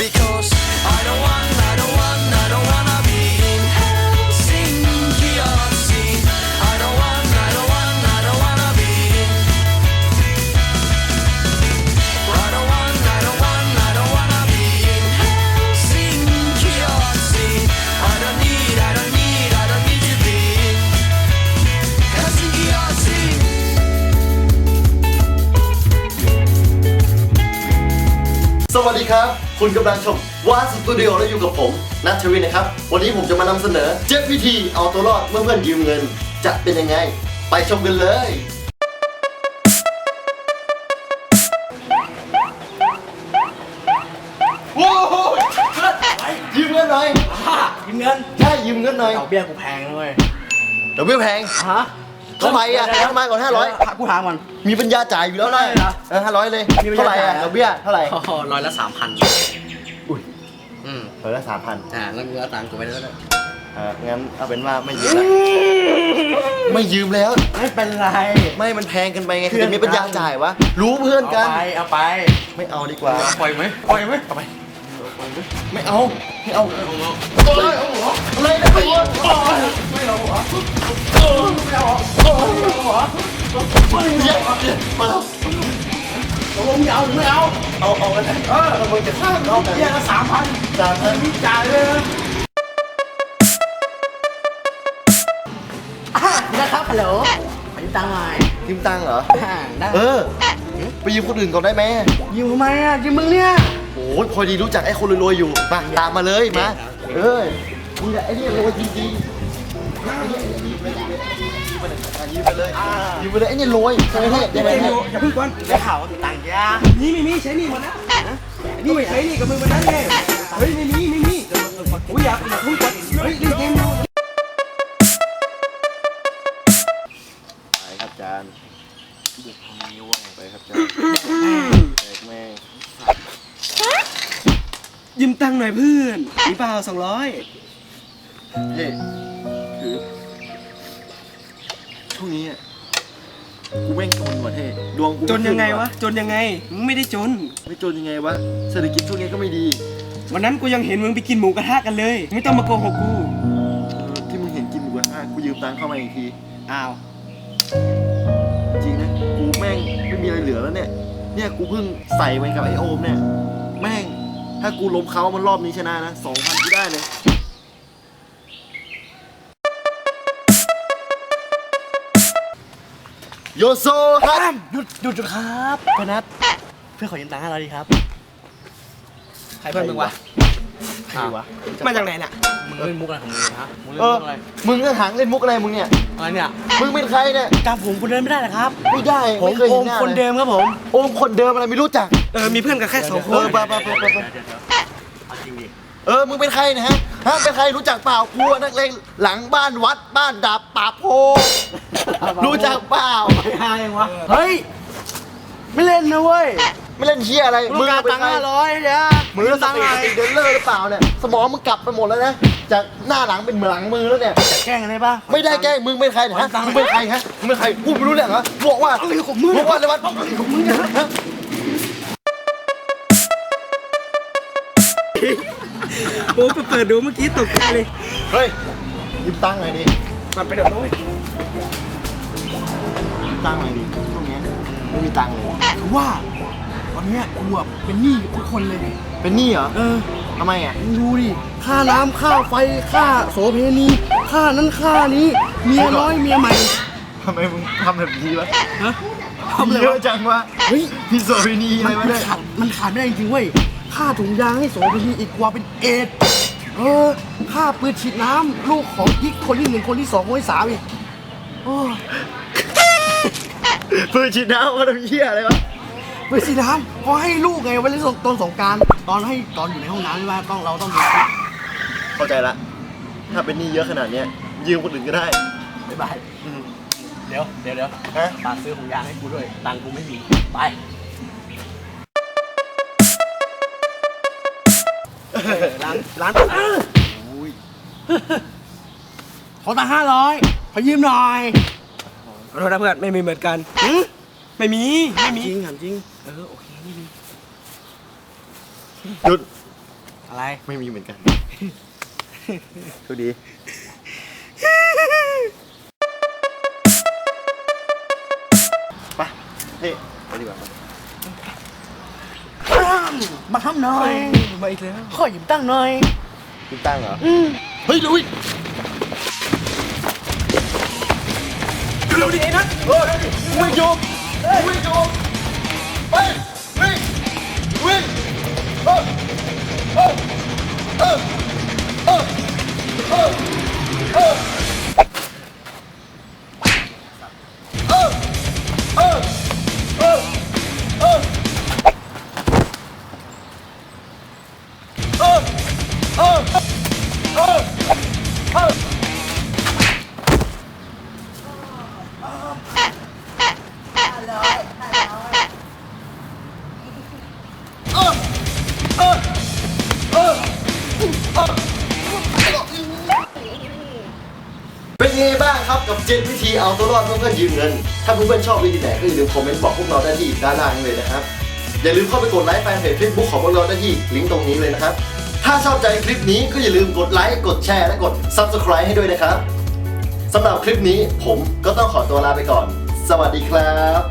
because I don't wanna be in Helsinki or sea. I don't wanna be in. I don't wanna be in Helsinki or sea. I don't need to be in Helsinki or sea. สวัสดีครับคุณกำลังชมวาสตูดิโอและอยู่กับผมนัทวินนะครับวันนี้ผมจะมานำเสนอ7วิธีเอาตัวรอดเมื่อเพื่อนยืมเงินจะเป็นยังไงไปชมกันเลยโว้ยยืมเงินหน่อยยืมเงินใช่ยืมเงินหน่อยดอกเบี้ยกูแพงนะเว้ยเดี๋ยวเบี้ยแพงฮะเท่าไหร่อ่ะทำไมก่อน500 กูถามก่อนมีปัญญาจ่ายอยู่แล้วนะเท่าไหร่เหรอ 500เลยมีปัญญาเท่าไหร่อ่ะจ่ายเหรอดอกเบี้ยเท่าไหร่ร้อยละ3,000 อุ้ยอืมเออละ3,000 แล้วมึงเอาตังค์กูไปแล้วนะงั้นเอาเป็นว่าไม่ยืมแล้วไม่ยืมแล้วไม่เป็นไรไม่มันแพงเกันไปไงเพื่อนจะมีปัญญาจ่ายวะรู้เพื่อนกันเอาไปไม่เอาดีกว่าปล่อยไหมปล่อยไหมเอาไปไม่เอาไม่เอาอะไรนะพี่ไม่เอาเหรอไม่เอาเหรอมาแล้วตกลงจะเอาหรือไม่เอาเอากันนะมึงจะฆ่าเรากันเบี้ยละ3,000 3,000 จ่ายเลยนะครับฮัลโหลขอยืมตังค์หน่อยยืมตังค์เหรอได้ไปยืมคนอื่นก่อนได้ไหมยืมทำไมอ่ะยืมมึงเนี่ยโอ้ยพอดีรู้จักไอ้คนรวยๆอยู่มาตามมาเลยมามึงแหละไอ้นี่รวยจริงๆยืมไปเลยไอ้นี่รวยใช่ไหมเนี่ยอย่าเพิ่งก่อนได้ข่าวว่ามีตังค์ยานี่ไม่มีใช้หนี่หมดนะนี่ใช้หนี่กับมึงวันนั้นไงเฮ้ยไม่มีอุ้ยอยากเพิ่งก่อนเฮ้ยเล่นเกมอยู่ไปครับจานไปครับจานแม่งยืมตังค์หน่อยเพื่อนมีเปล่า200 เฮ้คือช่วงนี้อ่ะกูแม่งจนว่ะเท่ดวงกูจนยังไงวะจนยังไงมึงไม่ได้จนไม่จนยังไงวะเศรษฐกิจช่วงนี้ก็ไม่ดีวันนั้นกูยังเห็นมึงไปกินหมูกระทะกันเลย ไม่ต้องมาโกหกกูที่มึงเห็นกินหมูกระทะกูยืมตังค์เข้ามาอีกทีอ้าวจริงนะกูแม่งไม่มีอะไรเหลือแล้วเนี่ยกูเพิ่งใส่ไว้กับไอโอมเนี่ยแม่งถ้ากูล้มเขามันรอบนี้ชนะนะ2,000กูได้เลยโยโซครับหยุดครับเพื่อนนัทเพื่อนขอยืมตังค์500ดีครับใครเพื่อนมึงวะใครวะมาจากไหนน่ะมึงเล่นมุกอะไรของมึงฮะมึงเล่นเออมุกอะไรมึงก็หางเล่นมุกอะไรมึงเนี่ยอะไรเนี่ยมึงเป็นใครเนี่ยจำผมคนเดิมไม่ได้เหรอครับไม่ได้ผมไม่เคยโอเห็นมหน้าคนเลยเดิมครับผมโอมคนเดิมอะไรไม่รู้จักมีเพื่อนกันแค่2 คเอน อไปเอาจริงดิมึงเป็นใครเนะฮะเป็นใครรู้จักเปล่ากูนักเลงหลังบ้านวัดบ้านดาบป่าโพรู้จักเปล่าไม่หายังวะเฮ้ยไม่เล่นนะเว้ยไม่เล่นเชี่ยอะไรมึงการตังค์500เนี่ยมึงสติเดินเลอร์หรือเปล่าเนี่ยสมองมึงกลับไปหมดแล้วนะจากหน้าหลังเป็นหลังมือแล้วเนี่ยจะแกล้งกันได้ปะไม่ได้แกล้งมึงเป็นใครฮะมึงเป็นใครฮะมึงเป็นใครพูดไม่รู้เรื่องเหรอบอกว่าอะไรของมึงบอกว่าอะไรวะของมึงเนี่ยฮะโอ้เปิดดูเมื่อกี้ตกใจเลยเฮ้ยยืมตังค์หน่อยดิมันไปเดี๋ยวนู้นยืมตังค์หน่อยดิช่วงนี้ไม่มีตังค์เลยคือว่าตอนเนี้ยกูอะเป็นหนี้ทุกคนเลยเป็นหนี้เหรอเออทำไมอ่ะมึงดูดิ ค่าน้ำค่าไฟ ค่าโสเพณี ค่านั้นค่านี้ เมียน้อยเมียใหม่ทำไมมึงทำแบบนี้วะฮะมีเยอะจังวะเฮ้ยพี่โซวินีอะไรวะเนี่ยมันขาดไม่ได้จริงๆเว้ย ค่าถุงยางให้โสเพณีอีกกว่าเป็นเอดส์ค่าปืนฉีดน้ำลูกของกิ๊กคนที่1คนที่2คนที่3อีกโอ้ยปืนฉีดน้ำเขาทำเหี้ยอะไรวะปืนฉีดน้ำพอให้ลูกไงไว้เล่นตอนสงกรานต์ตอนอยู่ในห้องน้ำใช่ไหมเราต้องดูคลิปเข้าใจละ ถ้าเป็นหนี้เยอะขนาดเนี้ยยืมคนอื่นก็ได้บ๊ายบาย เดี๋ยวฮะฝากซื้อของยางให้กูด้วย ตังค์กูไม่มี ไป ร้านขอตังค์500ขอยืมหน่อยขอโทษนะเพื่อนไม่มีเหมือนกันไม่มีจริงถามจริงโอเคไม่มีหยุดอะไรไม่มีเหมือนกันโชคดี ไปนี่ไปดีกว่าครับมาทำหน่อยมาอีกแล้วขอหยิบตั้งหน่อยคุณตั้งเหรอ เฮ้ยลุยเร็วดิไอ้นัทวิ่งโยมวิ่งโยมไปวิ่งวิ่งเออเออเออเออเออเออเออเออเออเออเป็นไงบ้างครับกับ7 วิธีเอาตัวรอดเพื่อนๆยืมเงิน ถ้าเพื่อนๆชอบวิธีไหนก็อย่าลืมคอมเมนต์บอกพวกเราได้ที่ด้านล่างเลยนะครับ อย่าลืมเข้าไปกดไลค์แฟนเพจ Facebook ของพวกเราได้ที่ลิงก์ตรงนี้เลยนะครับ ถ้าชอบใจคลิปนี้ก็อย่าลืมกดไลค์กดแชร์และกด Subscribe ให้ด้วยนะครับสำหรับคลิปนี้ผมก็ต้องขอตัวลาไปก่อน สวัสดีครับ